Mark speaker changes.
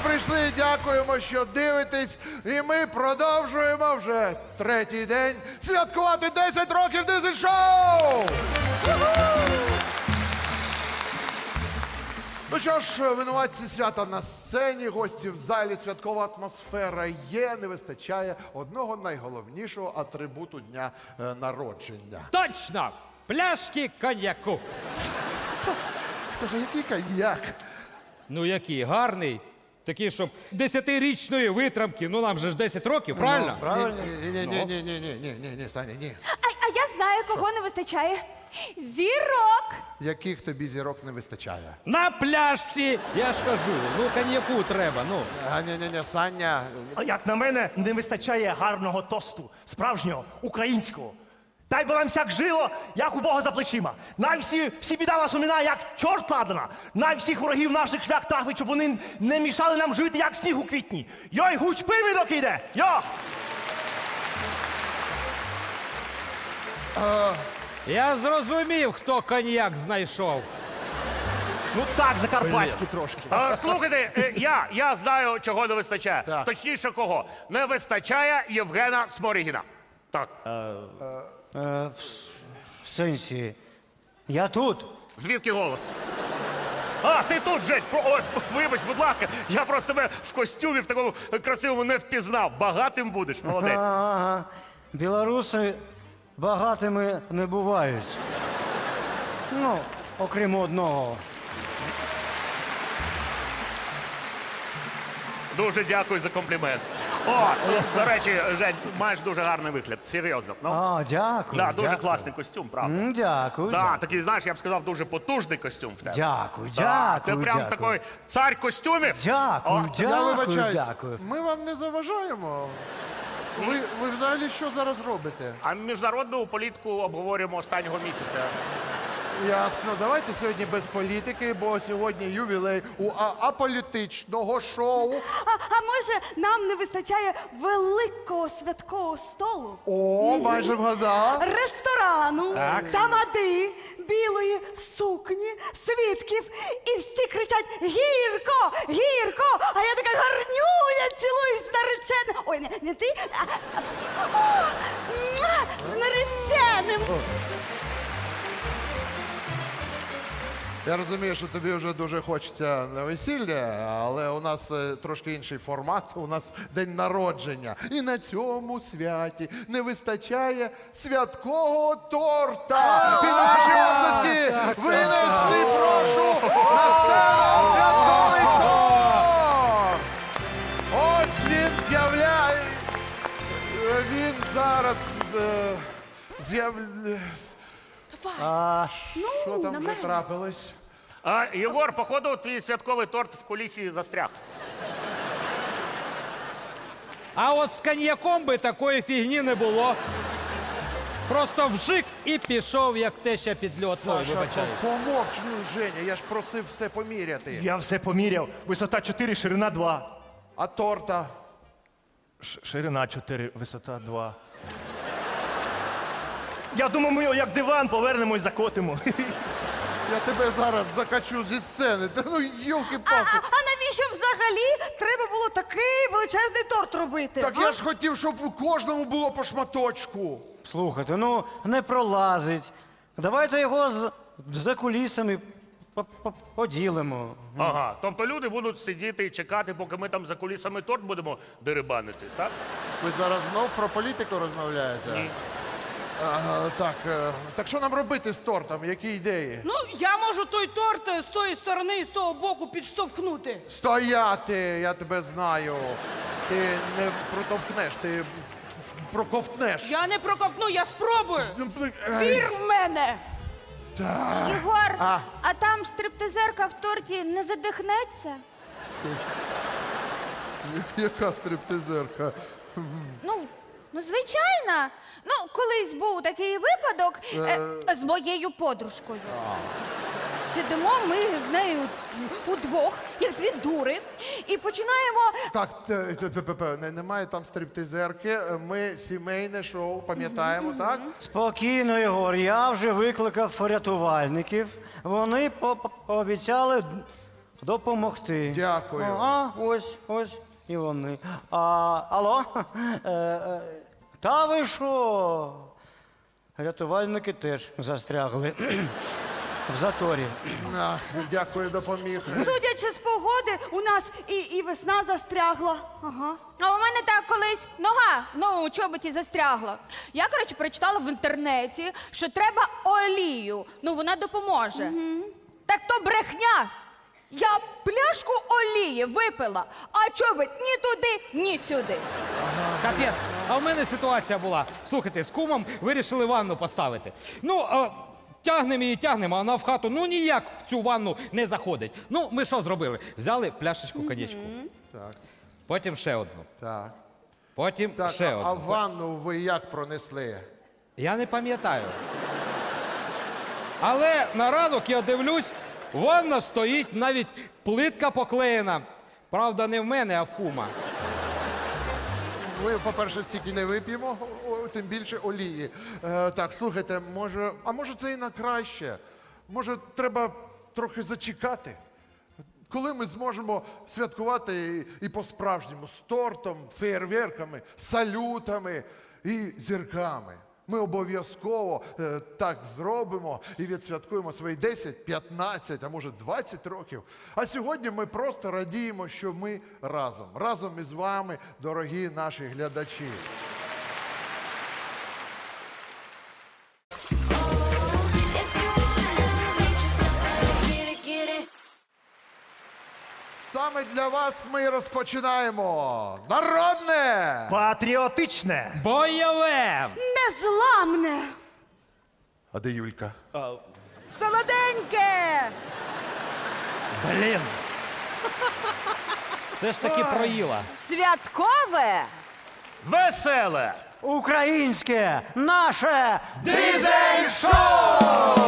Speaker 1: прийшли, дякуємо, що дивитесь. І ми продовжуємо вже третій день святкувати 10 років дизель-шоу! Ну що ж, винуватці свята на сцені, гості в залі, святкова атмосфера є, не вистачає одного найголовнішого атрибуту дня народження.
Speaker 2: Точно! Пляшки коньяку.
Speaker 1: Слухай, який коньяк?
Speaker 2: Ну який, гарний. Такий, щоб 10-річної витримки, ну нам же ж 10 років, правильно?
Speaker 1: Правильно? Ні, Саня, ні.
Speaker 3: А я знаю, кого не вистачає. Зірок!
Speaker 1: Яких тобі зірок не вистачає?
Speaker 2: На пляшці, я ж кажу, ну коньяку треба, ну.
Speaker 1: Ні, Саня.
Speaker 4: А як на мене, не вистачає гарного тосту, справжнього, українського. Дай би вам всяк жило, як у Бога за плечима. Най всі біда вас уминає, як чорт ладана. Най всіх ворогів наших шлях трахли, щоб вони не мішали нам жити, як сніг у квітні. Йой, гуч привідок іде! Йо!
Speaker 2: Я зрозумів, хто коньяк знайшов.
Speaker 4: Ну так, закарпатські трошки.
Speaker 5: Слухайте, я знаю, чого не вистачає.
Speaker 1: Так.
Speaker 5: Точніше, кого. Не вистачає Євгена Сморігіна. Так.
Speaker 6: В сенсі, я тут.
Speaker 5: Звідки голос? А, ти тут, Жень! Ой, вибач, будь ласка, я просто тебе в костюмі в такому красивому не впізнав. Багатим будеш, молодець.
Speaker 6: Ага. Білоруси багатими не бувають. Ну, окрім одного.
Speaker 5: Дуже дякую за комплімент. О, до речі, Жень, маєш дуже гарний вигляд, серйозно. Ну,
Speaker 6: А, дякую.
Speaker 5: да, дуже
Speaker 6: дякую.
Speaker 5: класний костюм, правда.
Speaker 6: Дякую.
Speaker 5: Да,
Speaker 6: дякую.
Speaker 5: такий, знаєш, я б сказав, дуже потужний костюм в тебе.
Speaker 6: Дякую,
Speaker 5: Да, це
Speaker 6: дякую,
Speaker 5: прям
Speaker 6: дякую.
Speaker 5: такий цар костюмів.
Speaker 6: Дякую,
Speaker 5: О,
Speaker 1: Я
Speaker 6: дякую,
Speaker 1: вибачаюсь,
Speaker 6: дякую.
Speaker 1: ми вам не заважаємо. Ви взагалі що зараз робите?
Speaker 5: А міжнародну політику обговорюємо останнього місяця.
Speaker 1: Ясно, давайте сьогодні без політики, бо сьогодні ювілей у аполітичного шоу.
Speaker 7: А може, нам не вистачає великого святкового столу?
Speaker 1: О, майже вгадав.
Speaker 7: Ресторану, тамади, білої сукні, свідків. І всі кричать «Гірко! Гірко!» А я така гарнюня, цілуюсь з нареченим. Ой, не ти, з нареченим.
Speaker 1: Я розумію, що тобі вже дуже хочеться на весілля, але у нас трошки інший формат, у нас день народження. І на цьому святі не вистачає святкового торта. Під ваші оплески винести, прошу, на сцену святковий торт! Ось він з'являє. Він зараз з'являється. Що там вже трапилось?
Speaker 5: А, Єгор, походу, твій святковий торт в кулісі застряг.
Speaker 2: А от з коньяком би такої фігні не було. Просто вжик і пішов, як теща під льот. Ой, вибачаю.
Speaker 1: Помовч, ну, Женя, я ж просив все поміряти.
Speaker 4: Я все поміряв. Висота 4, ширина 2.
Speaker 1: А торта?
Speaker 4: Ширина 4, висота 2. Я думаю, ми його як диван повернемо і закотимо.
Speaker 1: Я тебе зараз закачу зі сцени. Та ну, йолки-палки.
Speaker 7: А навіщо взагалі треба було такий величезний торт робити?
Speaker 1: Так я ж хотів, щоб у кожному було по шматочку.
Speaker 6: Слухайте, ну не пролазить. Давайте його за кулісами поділимо.
Speaker 5: Ага, тобто люди будуть сидіти і чекати, поки ми там за кулісами торт будемо дерибанити, так?
Speaker 1: Ви зараз знов про політику розмовляєте?
Speaker 5: Ні.
Speaker 1: Так що нам робити з тортом? Які ідеї?
Speaker 8: Ну, я можу той торт з тої сторони і з того боку підштовхнути.
Speaker 1: Стояти, я тебе знаю. Ти не протовкнеш, ти проковтнеш.
Speaker 8: Я не проковтну, я спробую.
Speaker 1: Ай,
Speaker 8: Вір в мене.
Speaker 3: Єгор,
Speaker 1: А.
Speaker 3: а там стриптизерка в торті не задихнеться?
Speaker 1: Яка стриптизерка?
Speaker 3: Ну, звичайно. Ну, колись був такий випадок з моєю подружкою. Сидимо ми з нею удвох, як дві дури, і починаємо.
Speaker 1: Так, немає там стриптизерки, ми сімейне шоу, пам'ятаємо, так?
Speaker 6: Спокійно, Єгор, я вже викликав рятувальників. Вони пообіцяли допомогти.
Speaker 1: Дякую.
Speaker 6: Ось і вони. Алло? Та ви що? Рятувальники теж застрягли в заторі.
Speaker 1: Ах, дякую, допоміг.
Speaker 7: Судячи з погоди, у нас і весна застрягла. Ага.
Speaker 3: А у мене так колись нога у чоботі застрягла. Я, коротше, прочитала в інтернеті, що треба олію. Вона допоможе. Так то брехня. Я пляшку олії випила, а чобот ні туди, ні сюди.
Speaker 2: Капець, а в мене ситуація була. Слухайте, з кумом вирішили ванну поставити. Тягнемо її, тягнемо, а вона в хату ніяк в цю ванну не заходить. Ми що зробили? Взяли пляшечку коньячку.
Speaker 1: Так,
Speaker 2: Потім ще одну.
Speaker 1: так.
Speaker 2: Потім
Speaker 1: Так,
Speaker 2: ще
Speaker 1: а
Speaker 2: одну.
Speaker 1: ванну ви як пронесли?
Speaker 2: Я не пам'ятаю. Але на ранок я дивлюсь, ванна стоїть, навіть плитка поклеєна. Правда, не в мене, а в кума.
Speaker 1: Ми, по-перше, стільки не вип'ємо, тим більше олії. Так, слухайте, може це і на краще? Може, треба трохи зачекати? Коли ми зможемо святкувати і по-справжньому з тортом, феєрверками, салютами і зірками. Ми обов'язково так зробимо і відсвяткуємо свої 10, 15, а може 20 років. А сьогодні ми просто радіємо, що ми разом із вами, дорогі наші глядачі. Саме для вас ми розпочинаємо народне!
Speaker 4: Патріотичне.
Speaker 2: Бойове!
Speaker 7: Незламне!
Speaker 1: А де Юлька?
Speaker 7: Солоденьке!
Speaker 4: Блін.
Speaker 2: Все ж таки проїла.
Speaker 3: Святкове!
Speaker 5: Веселе!
Speaker 6: Українське, наше
Speaker 1: Дизель-шоу!